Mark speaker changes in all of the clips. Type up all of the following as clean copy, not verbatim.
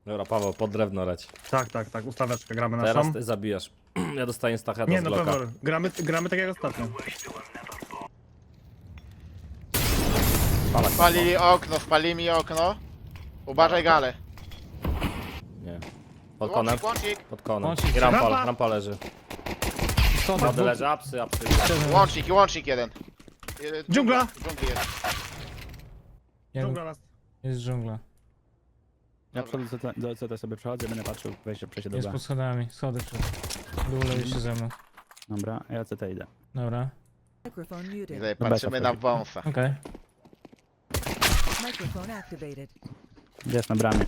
Speaker 1: Dobra, Paweł, pod drewno leć.
Speaker 2: Tak, ustaweczkę gramy naszą.
Speaker 1: Teraz ty zabijasz. Ja dostaję stacheta
Speaker 2: Nie
Speaker 1: z
Speaker 2: no,
Speaker 1: bloka.
Speaker 2: Pewor, gramy tak jak ostatnio.
Speaker 3: Spalili mi okno. Uważaj gale.
Speaker 1: Nie. Pod konem.
Speaker 3: Łącznik,
Speaker 1: Pod konem.
Speaker 4: Łącznik.
Speaker 1: I rampa,
Speaker 2: Rampa.
Speaker 1: rampa leży.
Speaker 4: Stąd
Speaker 1: Wody leży, apsy.
Speaker 3: łącznik jeden.
Speaker 2: Dżungla.
Speaker 3: Dżungli jest.
Speaker 2: Dżungla nas.
Speaker 4: Jest dżungla.
Speaker 5: Ja do CT sobie przechodzę, będę patrzył, przejście do
Speaker 4: Jest
Speaker 5: B.
Speaker 4: pod schodami. Schody przed. Dół jeszcze ze mną.
Speaker 5: Dobra, ja CT idę.
Speaker 4: Dobra.
Speaker 6: Microphone muted.
Speaker 3: Tutaj patrzymy na wąsa.
Speaker 4: Okej.
Speaker 6: Microphone activated.
Speaker 5: Jest na bramie.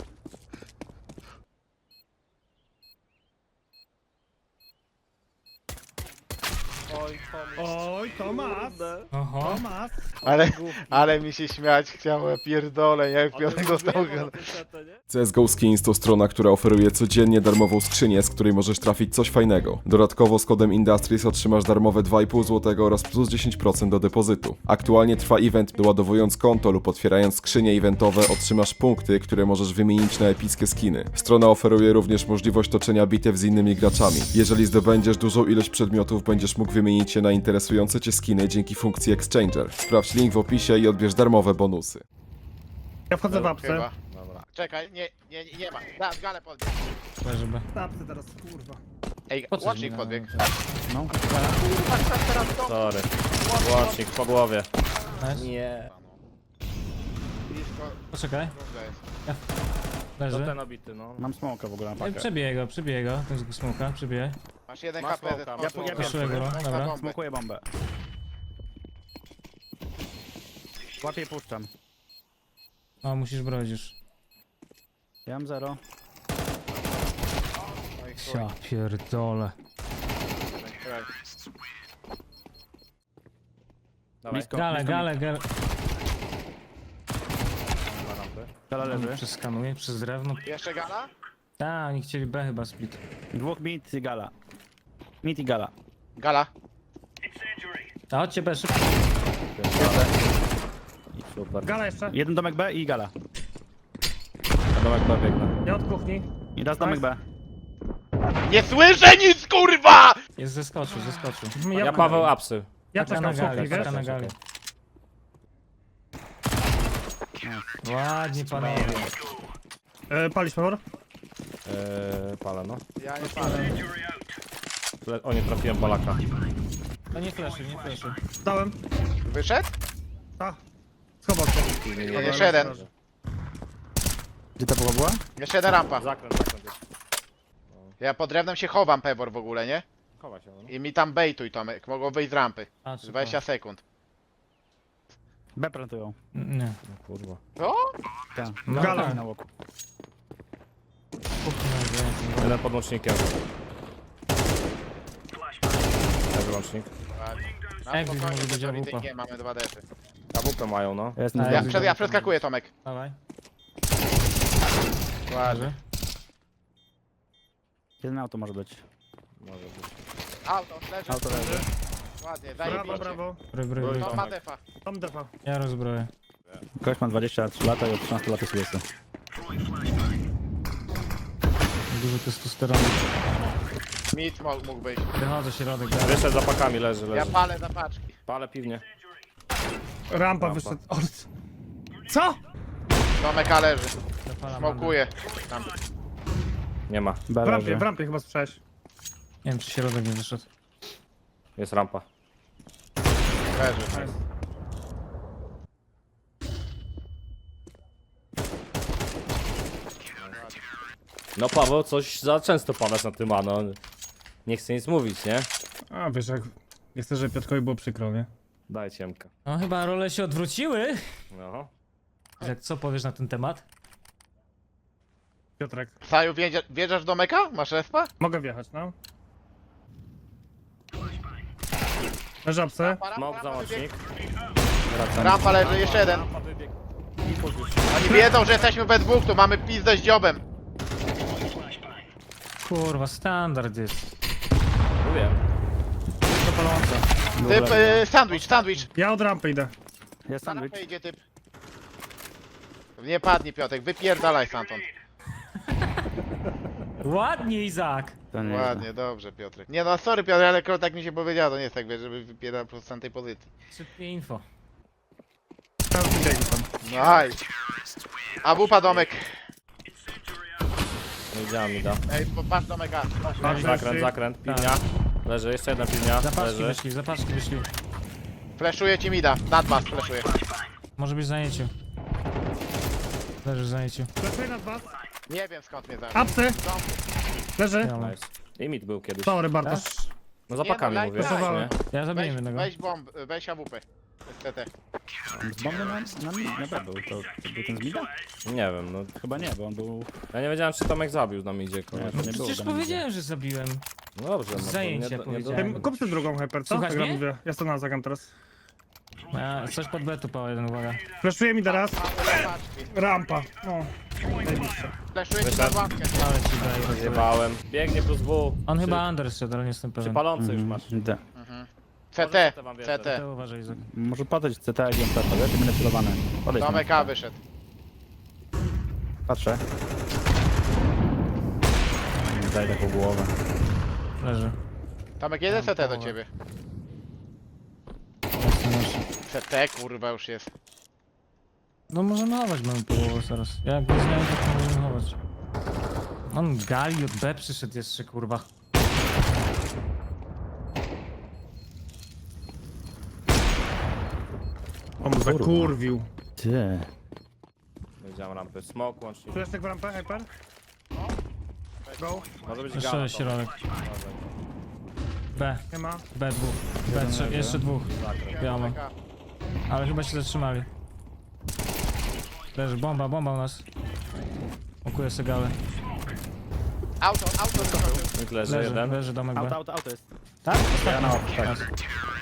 Speaker 2: Oj, Tomas!
Speaker 4: Oho.
Speaker 2: Tomas!
Speaker 3: Ale mi się śmiać chciało, pierdolę, jak Piotrek dostał go.
Speaker 7: CSGO Skins to strona, która oferuje codziennie darmową skrzynię, z której możesz trafić coś fajnego. Dodatkowo z kodem Industries otrzymasz darmowe 2,5 zł oraz plus 10% do depozytu. Aktualnie trwa event, doładowując konto lub otwierając skrzynie eventowe otrzymasz punkty, które możesz wymienić na epickie skiny. Strona oferuje również możliwość toczenia bitew z innymi graczami. Jeżeli zdobędziesz dużą ilość przedmiotów, będziesz mógł wymienić je na interesujące cię skiny dzięki funkcji Exchanger. Sprawdź link w opisie i odbierz darmowe bonusy.
Speaker 2: Ja wchodzę w apsy.
Speaker 3: Chyba. Czekaj, nie ma. Da, gale podbieg.
Speaker 4: Leży B.
Speaker 2: Apsy teraz, kurwa.
Speaker 3: Ej,
Speaker 4: Po co
Speaker 3: łącznik
Speaker 4: mi
Speaker 3: podbieg.
Speaker 5: No.
Speaker 1: Sorry. Łącznik po głowie.
Speaker 4: Nice.
Speaker 1: Nie.
Speaker 3: Blisko,
Speaker 4: Poczekaj.
Speaker 3: dżungla jest.
Speaker 1: To
Speaker 4: Leży.
Speaker 1: ten obity, no.
Speaker 5: Mam smoka w ogóle na pakę.
Speaker 4: Przebiję go. Ten smoka, przebiję.
Speaker 3: Masz jeden
Speaker 1: Ma
Speaker 3: HP.
Speaker 1: smoka, ma smoka.
Speaker 4: Proszę go, dobra.
Speaker 5: Smokuję bombę. Łapię i puszczam.
Speaker 4: O, musisz brać już.
Speaker 5: Ja mam 0.
Speaker 4: Ja pierdolę.
Speaker 1: Dawaj.
Speaker 5: Blisko.
Speaker 4: Gale.
Speaker 5: Gala leży.
Speaker 4: Przeskanuję przez drewno.
Speaker 3: Jeszcze gala?
Speaker 4: Tak, oni chcieli B chyba split.
Speaker 5: Dwóch mid i gala. Mid i gala.
Speaker 3: Gala.
Speaker 4: A chodźcie B szybko.
Speaker 1: Super.
Speaker 2: Gala jeszcze.
Speaker 5: Jeden domek B i gala.
Speaker 1: Na domek B biegnę.
Speaker 2: Ja od kuchni.
Speaker 5: I raz domek B.
Speaker 3: Nie słyszę nic, kurwa!
Speaker 4: Jest zeskoczył.
Speaker 1: Ja Paweł apsy.
Speaker 2: Ja
Speaker 4: Taka
Speaker 2: czekam
Speaker 4: na gali,
Speaker 2: kuchni, wiesz?
Speaker 4: taka na gali. Ładnie panowie.
Speaker 2: Palisz, Pewor?
Speaker 1: Palę, no.
Speaker 3: Ja nie palę.
Speaker 1: O, nie trafiłem Polaka.
Speaker 4: No nie fleszy.
Speaker 2: Dałem.
Speaker 3: Wyszedł?
Speaker 2: Ta. Schował się.
Speaker 3: Jeszcze jeden.
Speaker 5: Gdzie ta połowa była?
Speaker 3: Jeszcze jeden rampa.
Speaker 1: Zakręt.
Speaker 3: Ja pod drewnem się chowam, Pewor, w ogóle, nie?
Speaker 1: Chowa się, no.
Speaker 3: I mi tam bejtuj, Tomek. Mogą wyjść z rampy.
Speaker 4: A, super.
Speaker 3: 20 sekund.
Speaker 5: B plantują.
Speaker 4: Nie.
Speaker 1: No, kurwa.
Speaker 3: Co?
Speaker 5: Tak.
Speaker 4: No,
Speaker 2: Gala.
Speaker 4: tak.
Speaker 5: Na łoku.
Speaker 1: Jeden pod łącznikiem. Leży łącznik.
Speaker 3: Na
Speaker 4: Jak
Speaker 3: spokojnie,
Speaker 4: może być
Speaker 3: Pewor,
Speaker 4: AWP?
Speaker 3: nie, mamy 2 defy.
Speaker 1: AWP mają, no.
Speaker 5: Ja jestem
Speaker 4: A,
Speaker 5: z
Speaker 3: Ja przeskakuję, Tomek.
Speaker 4: Dawaj.
Speaker 3: Ładnie.
Speaker 5: Jeden auto może być.
Speaker 1: Może być.
Speaker 3: Auto, leży.
Speaker 5: Auto leży.
Speaker 3: Ładnie,
Speaker 2: Brawo,
Speaker 3: zajebiście.
Speaker 2: brawo.
Speaker 4: Bry.
Speaker 3: To ma defa.
Speaker 2: Tam defa.
Speaker 4: Ja rozbroję.
Speaker 5: Ktoś ma 23 lata i od 13 lat jest łysy.
Speaker 4: Dużo testosteronu.
Speaker 3: Mit mógł być.
Speaker 4: Wychodzę środek.
Speaker 1: Wyszedł za pakami, leży.
Speaker 3: Ja palę za paczki.
Speaker 1: Palę piwnie.
Speaker 2: Rampa wyszedł. Co?
Speaker 3: Tomek A leży.
Speaker 4: Zapalam.
Speaker 3: Smokuje. Tam.
Speaker 1: Nie ma.
Speaker 5: B leży.
Speaker 2: W rampie chyba słyszałeś.
Speaker 4: Nie wiem czy środek nie wyszedł.
Speaker 1: Jest rampa.
Speaker 3: Leży.
Speaker 1: No Paweł, coś za często padasz na tym, no. Nie chcę nic mówić, nie?
Speaker 2: A wiesz jak... Nie chcę, żeby Piotrkowi było przykro, nie?
Speaker 1: Daj ciemka.
Speaker 4: No chyba role się odwróciły.
Speaker 1: No.
Speaker 4: Jak co powiesz na ten temat?
Speaker 2: Piotrek.
Speaker 3: Saju, wjeżdżasz do meka? Masz respa?
Speaker 2: Mogę wjechać, no. Na żabce.
Speaker 1: Smok za łącznik.
Speaker 3: Rampa leży, jeszcze jeden. Oni wiedzą, że jesteśmy we dwóch, tu mamy pizdę z dziobem.
Speaker 4: Kurwa, standard jest.
Speaker 1: Mówiłem.
Speaker 3: Typ, sandwich.
Speaker 2: Ja od rampy idę.
Speaker 5: Jest
Speaker 3: Na
Speaker 5: sandwich.
Speaker 3: rampę idzie typ. Nie padnij, Piotrek, wypierdalaj stamtąd.
Speaker 4: Ładnie, Izak.
Speaker 5: To nie
Speaker 3: Ładnie, dobrze Piotrek. Nie no, sorry Piotr, ale tak mi się powiedziało, to nie jest tak, wiesz, żeby wypierał po prostu z tej pozycji.
Speaker 4: Szybkie info.
Speaker 2: Tam biegł tam.
Speaker 3: Nice. A wupa domek.
Speaker 1: Nie widziałem mi da.
Speaker 3: Ej, patrz domek A.
Speaker 1: Zakręt, zakręt, pilnia. Leży, jeszcze jedna pilnia.
Speaker 4: Zapaczki
Speaker 1: Leży.
Speaker 4: wyszli, zapaczki wyszli.
Speaker 3: Fleszuje ci mida, nad was fleszuje.
Speaker 4: Może być w zajęciu. Leży w zajęciu.
Speaker 2: Pracuję nad was.
Speaker 3: Nie wiem skąd mnie zabił.
Speaker 2: Apsy. Leży.
Speaker 4: Ja, mam.
Speaker 1: Nice. Limit był kiedyś.
Speaker 2: Sorry, Bartosz.
Speaker 1: No za pakami
Speaker 3: Nie no,
Speaker 1: mówię,
Speaker 3: daj,
Speaker 1: nie?
Speaker 4: Ja zabiję
Speaker 3: Weź,
Speaker 4: jednego.
Speaker 3: weź bomb, weź AWP. STT.
Speaker 5: Z bomby na B był. To był ten z mida?
Speaker 1: Nie wiem, no.
Speaker 5: Chyba nie, bo on był...
Speaker 1: Ja nie wiedziałem, czy Tomek zabił nam idzie
Speaker 5: Nie,
Speaker 1: koniecznie.
Speaker 5: to nie było.
Speaker 4: Przecież
Speaker 5: tam nigdzie.
Speaker 4: powiedziałem, że zabiłem.
Speaker 1: No dobrze, no to
Speaker 4: Zajęcie
Speaker 1: nie
Speaker 4: powiedziałem.
Speaker 2: Kup sobie drugą hyper, co?
Speaker 4: Słuchasz
Speaker 2: Tak ja
Speaker 4: mnie?
Speaker 2: mówię. Ja to zagram teraz.
Speaker 4: Ja, coś pod B tu pała jeden, uwaga.
Speaker 2: Fleszuje mi teraz.
Speaker 3: Mamy paczki.
Speaker 2: Rampa. No.
Speaker 3: Fleszuje ci nad łapkę.
Speaker 4: Ale ci daję.
Speaker 1: Zjebałem. Biegnie plus W.
Speaker 4: On chyba under szedł, ale nie jestem pewien.
Speaker 1: Czy palący już masz?
Speaker 5: D.
Speaker 3: CT,
Speaker 1: wam wierzę.
Speaker 3: CT.
Speaker 4: To uważaj, Izak.
Speaker 5: Może patrzeć CT jak jem to wiesz? Będę celowany. Podejdź tam.
Speaker 3: Domek A wyszedł.
Speaker 5: Patrzę. Daj taką głowę.
Speaker 4: Leży.
Speaker 3: Tomek, jeden CT do ciebie.
Speaker 4: Jasne, jasne.
Speaker 3: CT kurwa już jest.
Speaker 4: No możemy chować, mamy połowę zaraz. Jak go znajdę, to możemy chować. On gali od B przyszedł jeszcze, kurwa.
Speaker 2: On mu zakurwił.
Speaker 5: Ty.
Speaker 1: Widziałem rampy. Smoke łącznie.
Speaker 2: Fleszek w rampę, hyper. Go.
Speaker 1: Może być
Speaker 4: Jeszcze
Speaker 1: gala.
Speaker 4: środek. B,
Speaker 2: Nie ma.
Speaker 4: B dwóch. B trzy, jeszcze dwóch. Biało.
Speaker 3: Domek A.
Speaker 4: Ale chyba się zatrzymali. Leży, bomba u nas. Okuję sobie galę.
Speaker 3: Auto wyskoczył.
Speaker 1: Mid leży jeden.
Speaker 4: Leży domek B.
Speaker 5: Auto jest.
Speaker 4: Tak?
Speaker 5: Ja na łapkę.
Speaker 4: Tak.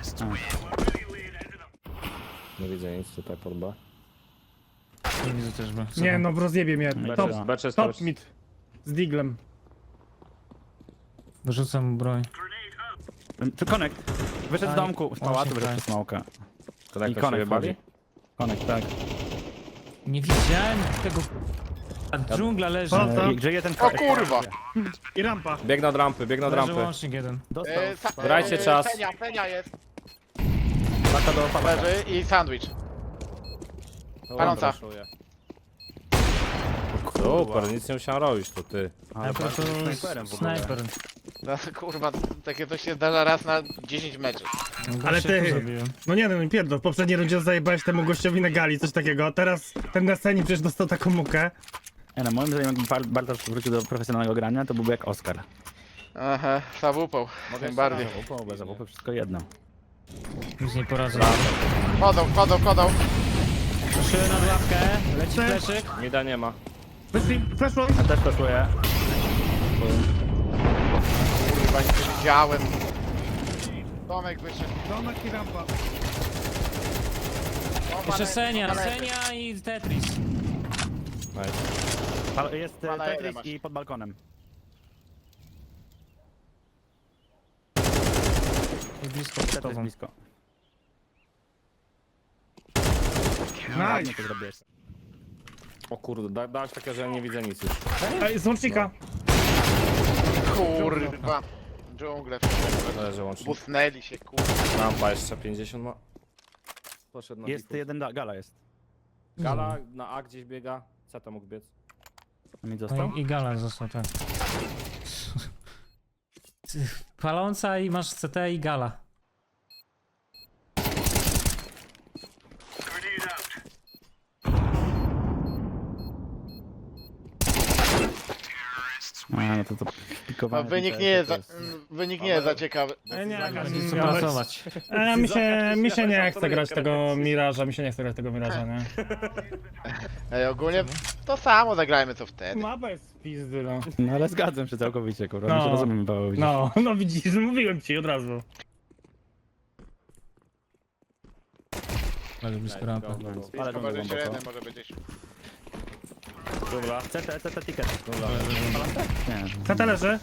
Speaker 1: Nie widzę nic tutaj pod B.
Speaker 4: Nie widzę też B.
Speaker 2: Nie no, rozjebie mnie. Top,
Speaker 1: Becze
Speaker 2: top mid. Z diglem.
Speaker 4: Wyrzucam mu broń.
Speaker 5: Tu Connect. Wyszedł z
Speaker 4: Aj,
Speaker 5: domku. Z pałacu
Speaker 4: właśnie
Speaker 5: wyszedł
Speaker 4: tak.
Speaker 5: przez smoka. I
Speaker 1: Konektor się
Speaker 5: Connect
Speaker 1: bawi?
Speaker 5: wchodzi. Connect, tak.
Speaker 4: Nie widziałem tego... A dżungla leży.
Speaker 2: Co? Co?
Speaker 5: Gdzie jeden
Speaker 3: O kurwa!
Speaker 2: I rampa.
Speaker 1: Biegnę od rampy, biegnę od
Speaker 4: Leży
Speaker 1: rampy.
Speaker 4: łącznik jeden.
Speaker 5: Dostał.
Speaker 1: Grajcie czas.
Speaker 3: Fenia jest.
Speaker 5: Taka do palaka.
Speaker 3: Leży i sandwich. Paląca.
Speaker 1: Super, nic nie musiałem robić, to ty.
Speaker 5: Ale
Speaker 4: to
Speaker 5: snajperem w ogóle.
Speaker 4: snajper.
Speaker 3: No, kurwa, takie coś się zdarza raz na 10 meczów.
Speaker 2: Ale
Speaker 4: Gościa tu
Speaker 2: ty-
Speaker 4: zabiłem.
Speaker 2: No nie no, pierdol. W poprzedniej rundzie zajebałeś temu gościowi na gali, coś takiego. A teraz ten na scenie przecież dostał taką mukę.
Speaker 5: Nie no, moim zdaniem jakby Bartosz wrócił do profesjonalnego grania, to byłby jak Oscar.
Speaker 3: Aha, zawupał. Tym bardziej.
Speaker 5: Bez AWP wszystko jedno.
Speaker 4: Nic nie poradzę.
Speaker 3: Wchodzą.
Speaker 4: Trzy na łapkę. Leci
Speaker 2: Cześć.
Speaker 4: fleszyk.
Speaker 1: Mida nie ma.
Speaker 2: Wyszli, fleszło.
Speaker 5: Ja też poszuję.
Speaker 3: Kurwa, nic nie widziałem. Tomek wyszedł.
Speaker 2: Domek i rampa.
Speaker 4: Jeszcze Senia i Tetris.
Speaker 1: Nice.
Speaker 5: Jest
Speaker 3: Pana
Speaker 5: Tetris
Speaker 3: jeden masz.
Speaker 5: i pod balkonem.
Speaker 4: I blisko
Speaker 5: Tetris
Speaker 4: pod tobą.
Speaker 5: blisko.
Speaker 2: Nice.
Speaker 5: to zrobiłeś.
Speaker 1: O kurde, dałeś takie, że ja nie widzę nic już.
Speaker 2: Ej, z łącznika.
Speaker 3: Kurwa. Dżungle.
Speaker 1: Leży łącznie.
Speaker 3: Busnęli się, kurwa.
Speaker 1: Rampa jeszcze 50 ma. Poszedł na
Speaker 5: Jest
Speaker 1: piku.
Speaker 5: jeden gala jest.
Speaker 1: Gala na A gdzieś biega. Co to mógł biec?
Speaker 5: A mi
Speaker 4: No
Speaker 5: został?
Speaker 4: i Gala został, tak. Ty, paląca i masz CT i Gala.
Speaker 5: A, no to
Speaker 3: No,
Speaker 5: pikowane.
Speaker 3: wynik nie jest za ciekawy.
Speaker 2: Nie,
Speaker 4: Nic co pracować.
Speaker 2: mi się nie chce grać tego Miraża, nie?
Speaker 3: Ej, ogólnie to samo zagrajmy co wtedy.
Speaker 2: Mapa jest z pizdy, no.
Speaker 5: No ale zgadzam się całkowicie, kurwa.
Speaker 2: No.
Speaker 5: My się rozumiemy, Paweł. widzisz.
Speaker 2: No widzisz, mówiłem ci od razu.
Speaker 4: Ale blisko rampy.
Speaker 5: Ale
Speaker 3: Blisko
Speaker 5: to
Speaker 3: może
Speaker 5: głęboko.
Speaker 3: średnie, może być gdzieś.
Speaker 1: Dobra.
Speaker 5: CT ticket. Nie.
Speaker 2: CT leży.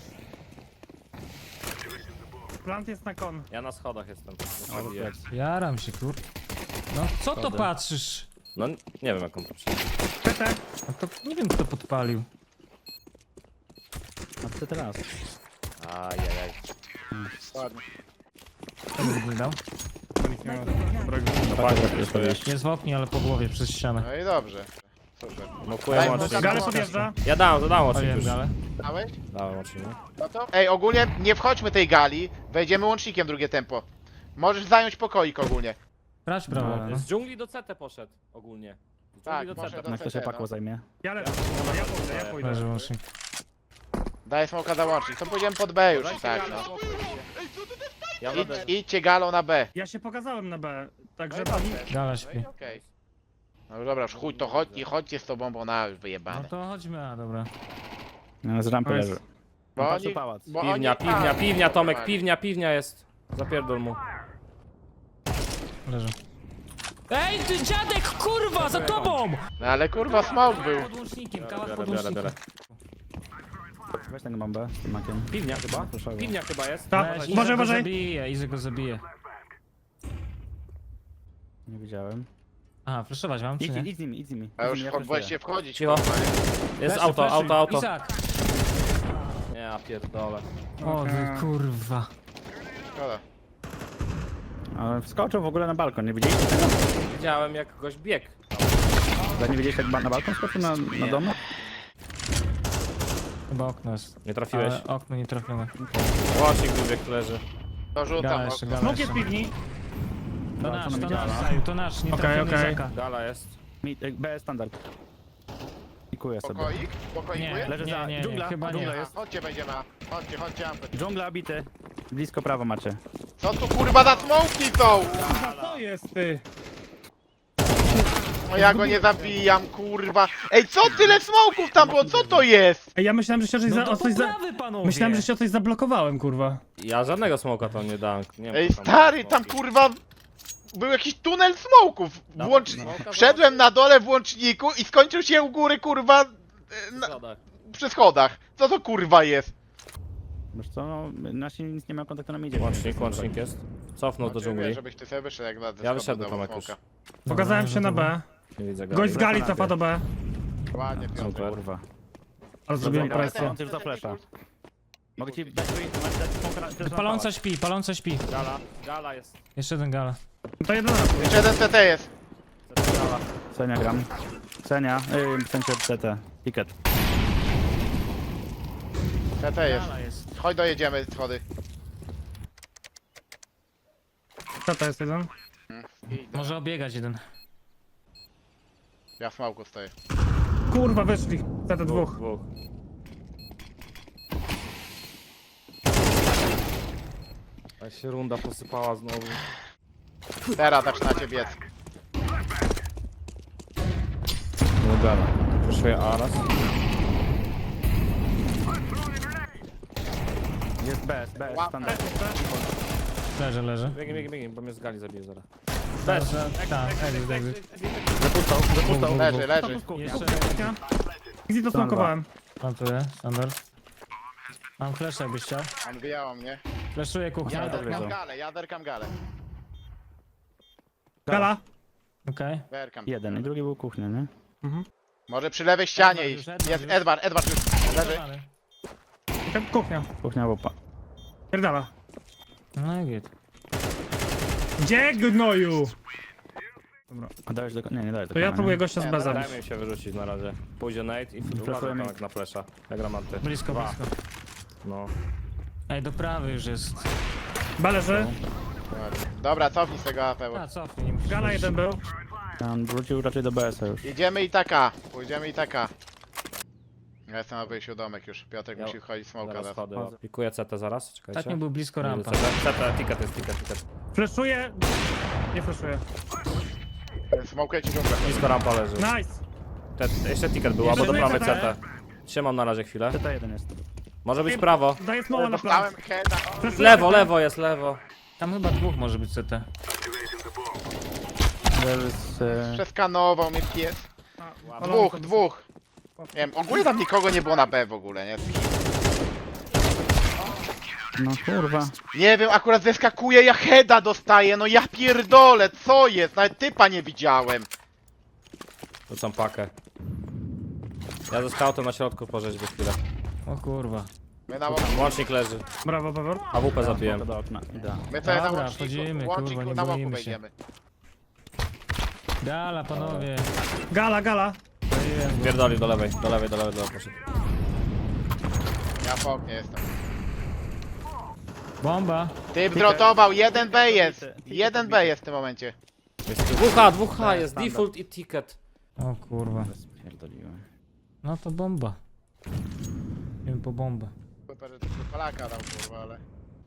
Speaker 2: Plant jest na kon.
Speaker 1: Ja na schodach jestem.
Speaker 4: Jaram się, kur... No co to
Speaker 1: Schody.
Speaker 4: patrzysz?
Speaker 1: No nie wiem jak on to przyjdzie.
Speaker 2: CT.
Speaker 4: No to nie wiem kto podpalił.
Speaker 5: A co teraz?
Speaker 3: Ajajaj. Ładnie.
Speaker 4: Co byś mi dał?
Speaker 2: Nikt nie ma dobrego.
Speaker 4: Jest w oknie, ale po głowie przez ścianę.
Speaker 3: No i dobrze. Super.
Speaker 1: Mokuję
Speaker 3: Daj,
Speaker 1: łącznik.
Speaker 2: Gale podjeżdża.
Speaker 1: Ja dałem łącznik
Speaker 4: Paliłem
Speaker 1: już.
Speaker 4: galę.
Speaker 3: Dałeś?
Speaker 1: Dałem łącznik, no.
Speaker 3: No to? Ej, ogólnie nie wchodźmy tej gali. Wejdziemy łącznikiem drugie tempo. Możesz zająć pokoik ogólnie.
Speaker 4: Brać prawo, no.
Speaker 1: Z dżungli do CT poszedł ogólnie. Z
Speaker 3: Tak,
Speaker 1: dżungli do
Speaker 3: poszedł
Speaker 1: CT.
Speaker 3: do
Speaker 5: Jak to się
Speaker 3: CT, no.
Speaker 5: pakło zajmie?
Speaker 2: Ja lecę, ja pójdę.
Speaker 4: Leży łącznik.
Speaker 3: Daj smoka za łącznik. To pójdziemy pod B już i tak, no.
Speaker 1: Ja będę...
Speaker 3: Idźcie galą na B.
Speaker 2: Ja się pokazałem na B, także
Speaker 3: No i
Speaker 2: pani...
Speaker 3: dobrze.
Speaker 4: Gala
Speaker 3: No
Speaker 4: śpi.
Speaker 3: i okej. No dobra, już chuj to chodź, nie chodźcie z tobą, bo na już
Speaker 4: No
Speaker 3: wyjebane.
Speaker 4: to chodźmy, a dobra.
Speaker 5: No, z rampy
Speaker 2: Nice.
Speaker 5: leży.
Speaker 3: Bo
Speaker 5: Patrz,
Speaker 3: oni...
Speaker 5: pałac.
Speaker 3: Bo
Speaker 1: Piwnia,
Speaker 3: oni... A,
Speaker 1: piwnia, Tomek,
Speaker 3: normalnie.
Speaker 1: piwnia jest. Zapierdol mu.
Speaker 4: Leży. Ej, ty dziadek, kurwa, za tobą!
Speaker 3: No ale kurwa smok był.
Speaker 4: Pod łącznikiem, kałak
Speaker 1: Biorę,
Speaker 4: pod
Speaker 1: biorę,
Speaker 4: łącznikiem.
Speaker 1: biorę.
Speaker 5: Weź tego bombę z tym makiem.
Speaker 1: Piwnia chyba?
Speaker 5: Proszę.
Speaker 1: Piwnia chyba jest.
Speaker 2: Tak,
Speaker 4: Weź,
Speaker 2: uważaj,
Speaker 4: Izak go
Speaker 2: uważaj.
Speaker 4: zabije, Izak go zabije.
Speaker 5: Nie widziałem.
Speaker 4: Aha, flashować mam, czy
Speaker 5: Idź,
Speaker 4: nie?
Speaker 5: idź z nimi, idź z nimi.
Speaker 3: A już
Speaker 5: ja
Speaker 3: wolcie wchodzić.
Speaker 1: Cicho.
Speaker 3: kurwa.
Speaker 1: Jest
Speaker 4: Flashy,
Speaker 1: auto,
Speaker 4: flashy.
Speaker 1: auto, auto.
Speaker 4: Izak!
Speaker 1: Nie, ja pierdolę.
Speaker 4: O, ty kurwa.
Speaker 3: Szkoda.
Speaker 5: Ale wskoczył w ogóle na balkon, nie widzieliście tego?
Speaker 1: Widziałem jak goś biegł.
Speaker 5: Tak nie widzieliście jak na balkon skoczył na domu?
Speaker 4: Chyba okno jest.
Speaker 1: Nie trafiłeś.
Speaker 4: Ale okno nie trafione.
Speaker 1: Łącznik wybiegł, leży.
Speaker 3: To rzucam.
Speaker 4: Gala jeszcze, gala
Speaker 2: Smok
Speaker 4: jeszcze.
Speaker 2: jest piwni.
Speaker 4: To nasz, Zaju, to nasz, nie
Speaker 2: Okej,
Speaker 4: trafiony
Speaker 2: okej.
Speaker 4: Izaka.
Speaker 1: Gala jest.
Speaker 5: B standard. Pikuję sobie.
Speaker 3: Pokoik? Pokoikuje?
Speaker 4: Nie,
Speaker 5: Leży
Speaker 4: nie,
Speaker 5: za-
Speaker 4: nie,
Speaker 5: dżungla,
Speaker 4: chyba
Speaker 5: dżungla
Speaker 4: nie.
Speaker 5: jest.
Speaker 3: Chodźcie będziemy. Chodźcie Ampet.
Speaker 5: Dżungla bity. Blisko prawo macie.
Speaker 3: Co tu kurwa za smoki są?
Speaker 2: Co jest ty?
Speaker 3: No ja go nie zabijam, kurwa. Ej, co tyle smoków tam było? Co to jest?
Speaker 2: Ej, ja myślałem, że się o coś,
Speaker 4: No
Speaker 2: za,
Speaker 4: to
Speaker 2: o coś za...
Speaker 4: poprawy, panowie!
Speaker 2: Myślałem, że się o coś zablokowałem, kurwa.
Speaker 1: Ja żadnego smoka tam nie dałem. Nie wiem,
Speaker 3: Ej,
Speaker 1: co tam
Speaker 3: stary,
Speaker 1: było.
Speaker 3: tam kurwa... Był jakiś tunel smoków. Wszedłem na dole w łączniku i skończył się u góry, kurwa...
Speaker 1: Zgoda.
Speaker 3: Przy schodach. Co to kurwa jest?
Speaker 5: Wiesz co, no, nasi nic nie mają kontaktu na midzie.
Speaker 1: Łącznik jest. Cofnął do
Speaker 3: Znaczy, wiesz,
Speaker 1: dżungli.
Speaker 3: żebyś ty sobie wyszedł jak na
Speaker 1: Ja wyszedłem, Tomek, już.
Speaker 2: Pokazałem się na B.
Speaker 1: Nie widzę go.
Speaker 2: Gość z gali cofa do B.
Speaker 3: Ładnie, Piotr.
Speaker 1: Super.
Speaker 5: Kurwa.
Speaker 2: Ale zrobiłem
Speaker 3: Dobra,
Speaker 2: presję.
Speaker 5: On za flesza. Mogę ci dać smoka.
Speaker 4: Paląca śpi, paląca śpi.
Speaker 1: Gala jest.
Speaker 4: Jeszcze jeden gala.
Speaker 2: To jeden raz.
Speaker 3: Jeszcze jeden CT jest.
Speaker 1: Gala.
Speaker 5: Cenia gram. Cenia, w sensie CT. Ticket.
Speaker 3: CT jest.
Speaker 4: Gala jest.
Speaker 3: Chodź dojedziemy schody.
Speaker 2: Co to jest jeden?
Speaker 4: Może obiegać jeden.
Speaker 3: Ja w smoku stoję.
Speaker 2: Kurwa, wyszli. CT dwóch.
Speaker 1: Dwóch. A się runda posypała znowu.
Speaker 3: Teraz zaczynacie biec.
Speaker 1: No gala. Proszę Aras.
Speaker 5: Jest B standard.
Speaker 4: Leży.
Speaker 1: Biegnij, bo mnie z gali zabije zaraz.
Speaker 4: Bez. Tak, exit.
Speaker 5: Zapustał.
Speaker 3: Leży.
Speaker 4: Jeszcze
Speaker 2: Gdzie to smokowałem?
Speaker 4: plantuję, standard. Mam flash jakbyś chciał.
Speaker 3: On wyjęła mnie.
Speaker 4: Flashuję kuchnię.
Speaker 3: Jaderkam galę.
Speaker 2: Gala.
Speaker 4: Okej.
Speaker 3: Werkam.
Speaker 5: Jeden i drugi był kuchnia, nie?
Speaker 3: Może przy lewej ścianie
Speaker 4: Edward
Speaker 3: iść.
Speaker 4: już, Edward
Speaker 3: Jest
Speaker 4: już.
Speaker 3: Edward już. Leży.
Speaker 2: Kuchnia.
Speaker 5: Kuchnia łupa.
Speaker 2: Pierdala.
Speaker 4: No i git.
Speaker 2: Gdzie gnoju?
Speaker 5: A dałeś do... Nie dałeś do
Speaker 2: To ja
Speaker 5: konia,
Speaker 2: próbuję
Speaker 5: nie?
Speaker 2: gościa z B zabić.
Speaker 1: Dajmy im się wyrzucić na razie. Pójdzie Nate i
Speaker 5: Flashujemy.
Speaker 1: uważaj na flesza. Ja gram anty.
Speaker 4: Blisko.
Speaker 1: No.
Speaker 4: Ej, do prawej już jest.
Speaker 2: B leży.
Speaker 3: Dobra, cofnij z tego AP.
Speaker 4: A, cofnij, nie musisz.
Speaker 2: Gala jeden był.
Speaker 5: On wrócił raczej do BS-a już.
Speaker 3: Idziemy i taka. Pójdziemy i taka. Ja jestem na wyjściu domek już. Piotrek
Speaker 1: Ja-
Speaker 3: musi wchodzić smoka.
Speaker 1: Zaraz
Speaker 3: zaraz.
Speaker 1: wchodzę. Pikuję CT zaraz, czekajcie.
Speaker 4: Tak nie był blisko rampa.
Speaker 1: CT, ticket jest, ticket.
Speaker 2: Fleszuję. Nie fleszuję.
Speaker 3: Smokuję ci dżunglę.
Speaker 1: Blisko rampa leży.
Speaker 2: Nice.
Speaker 1: Jeszcze ticket był, albo do
Speaker 2: Fleszuję
Speaker 1: prawej
Speaker 2: CT.
Speaker 1: CT. Trzymam na razie chwilę.
Speaker 5: CT1 jest.
Speaker 1: Może być prawo.
Speaker 2: Daję smoła na plan.
Speaker 3: Dostałem heada.
Speaker 2: Fleszuję
Speaker 1: Lewo,
Speaker 2: CT.
Speaker 1: lewo jest, lewo.
Speaker 4: Tam chyba dwóch może być CT.
Speaker 3: Przeskanował mnie pies. Dwóch. Nie wiem, ogólnie tam nikogo nie było na B w ogóle, nie?
Speaker 5: No kurwa.
Speaker 3: Nie wiem, akurat zeskakuje, ja heada dostaję, no ja pierdolę, co jest? Nawet typa nie widziałem.
Speaker 1: Rzucam pakę. Ja ze scoutem na środku porzeźbię chwilę.
Speaker 4: O kurwa.
Speaker 3: My na
Speaker 1: Łącznik leży.
Speaker 2: Brawo, Pewor.
Speaker 1: AWP zabiłem.
Speaker 5: Do okna, idę.
Speaker 3: My sobie na
Speaker 4: Dobra,
Speaker 3: łączniku,
Speaker 4: wchodzimy,
Speaker 3: łącznik
Speaker 4: kurwa, nie
Speaker 3: na łoku
Speaker 4: boimy się.
Speaker 3: wejdziemy.
Speaker 4: Gala, panowie.
Speaker 2: Gala, gala.
Speaker 1: Pierdoli do lewej, do lewej, do lewej, do lewej. Proszę.
Speaker 3: Ja po oknie jestem.
Speaker 4: Bomba.
Speaker 3: Typ zrotował, 1B jest. 1B jest w tym momencie.
Speaker 1: Dwóch jest, default i ticket.
Speaker 4: O kurwa.
Speaker 5: Spierdoliłem.
Speaker 4: No to bomba. Idziemy po bombę.
Speaker 3: Super, że tylko Polaka dał, kurwa, ale...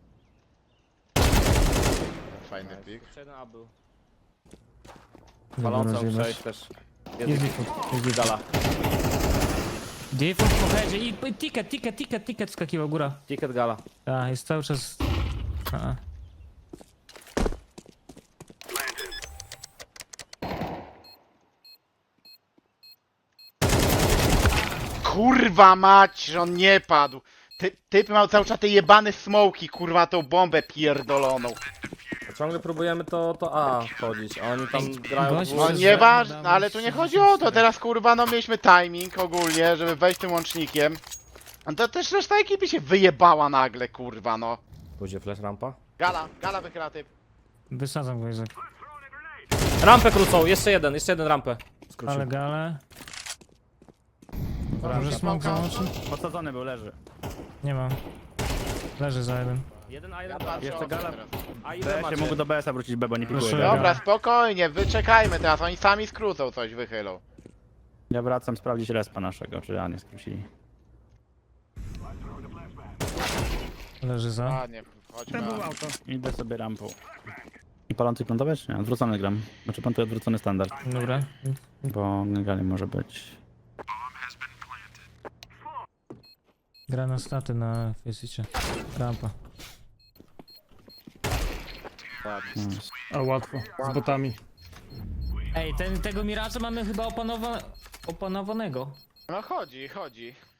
Speaker 3: Fajny pik.
Speaker 1: Jeszcze jeden A był.
Speaker 4: Dobra,
Speaker 1: Palącą
Speaker 4: rozjebać.
Speaker 1: przejść też.
Speaker 4: Jest default.
Speaker 1: Jest gala.
Speaker 4: Default po headzie i ticket skakiwał góra.
Speaker 1: Ticket gala.
Speaker 4: Tak, jest cały czas... A.
Speaker 3: Kurwa mać, że on nie padł. Typ miał cały czas te jebane smoki, kurwa, tą bombę pierdoloną.
Speaker 1: Ciągle próbujemy to A wchodzić, a oni tam grają
Speaker 4: gość-
Speaker 3: No
Speaker 1: dwóch.
Speaker 3: nieważne, no, ale tu nie chodzi o to, teraz kurwa, no mieliśmy timing ogólnie, żeby wejść tym łącznikiem. No to też reszta ekipy się wyjebała nagle, kurwa, no.
Speaker 1: Pójdzie flash rampa.
Speaker 3: Gala wychyla typ.
Speaker 4: Wysadzam go, Izak.
Speaker 1: Rampę krócą, jeszcze jeden rampę. Skrócił.
Speaker 4: Ale gale.
Speaker 3: Dobra,
Speaker 4: Może smok załączy?
Speaker 5: Podsadzony był, leży.
Speaker 4: Nie mam. Leży za jeden.
Speaker 1: Jeden A,
Speaker 3: Ja
Speaker 1: jeden B.
Speaker 3: patrzę
Speaker 5: Jeszcze
Speaker 3: okno
Speaker 5: gala.
Speaker 3: teraz.
Speaker 1: A
Speaker 5: B
Speaker 1: ile
Speaker 5: się
Speaker 1: macie?
Speaker 5: mógł do BS-a wrócić, B, bo nie pikuje.
Speaker 4: Proszę.
Speaker 5: go.
Speaker 3: Dobra, spokojnie, wyczekajmy teraz, oni sami skrócą coś, wychylą.
Speaker 5: Ja wracam sprawdzić respa naszego, czy A nie skrócili.
Speaker 4: Leży za.
Speaker 3: Ładnie, chodźmy.
Speaker 2: To było auto.
Speaker 5: Idę sobie rampą. I palący plantować? czy nie? Odwrócony gram. Znaczy plantuję odwrócony standard,
Speaker 4: Dobra.
Speaker 5: bo legalnie może być.
Speaker 4: Gra na staty na Faceicie. Rampa.
Speaker 5: Nice.
Speaker 2: A łatwo, z botami.
Speaker 4: Ej, tego Miracza mamy chyba opanowanego.
Speaker 3: No chodzi.